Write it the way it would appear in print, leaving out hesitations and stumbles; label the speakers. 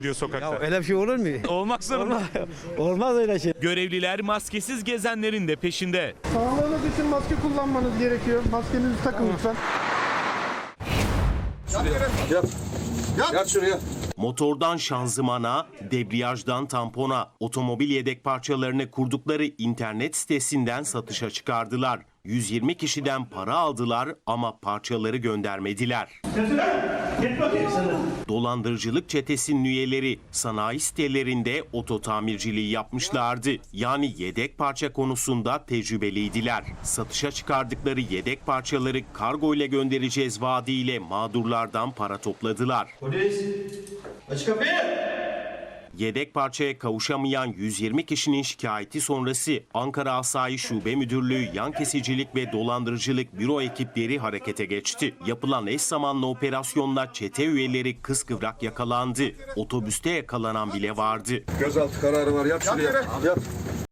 Speaker 1: diyor sokakta.
Speaker 2: Ya öyle bir şey olur mu?
Speaker 1: Olmak zorunda.
Speaker 2: Olmaz öyle şey.
Speaker 1: Görevliler maskesiz gezenlerin de peşinde.
Speaker 3: Sağlığınız için maske kullanmanız gerekiyor. Maskenizi takın lütfen.
Speaker 4: Yat şuraya.
Speaker 5: Motordan şanzımana, debriyajdan tampona, otomobil yedek parçalarını kurdukları internet sitesinden satışa çıkardılar. 120 kişiden para aldılar ama parçaları göndermediler. Dolandırıcılık çetesinin üyeleri sanayi sitelerinde oto tamirciliği yapmışlardı. Yani yedek parça konusunda tecrübeliydiler. Satışa çıkardıkları yedek parçaları kargo ile göndereceğiz vaadiyle mağdurlardan para topladılar.
Speaker 4: Polis. Aç kapıyı.
Speaker 5: Yedek parçaya kavuşamayan 120 kişinin şikayeti sonrası Ankara Asayiş Şube Müdürlüğü Yan Kesicilik ve Dolandırıcılık Büro ekipleri harekete geçti. Yapılan eş zamanlı operasyonla çete üyeleri kıskıvrak yakalandı. Otobüste yakalanan bile vardı.
Speaker 4: Gözaltı kararı var. Yat şuraya. Yat.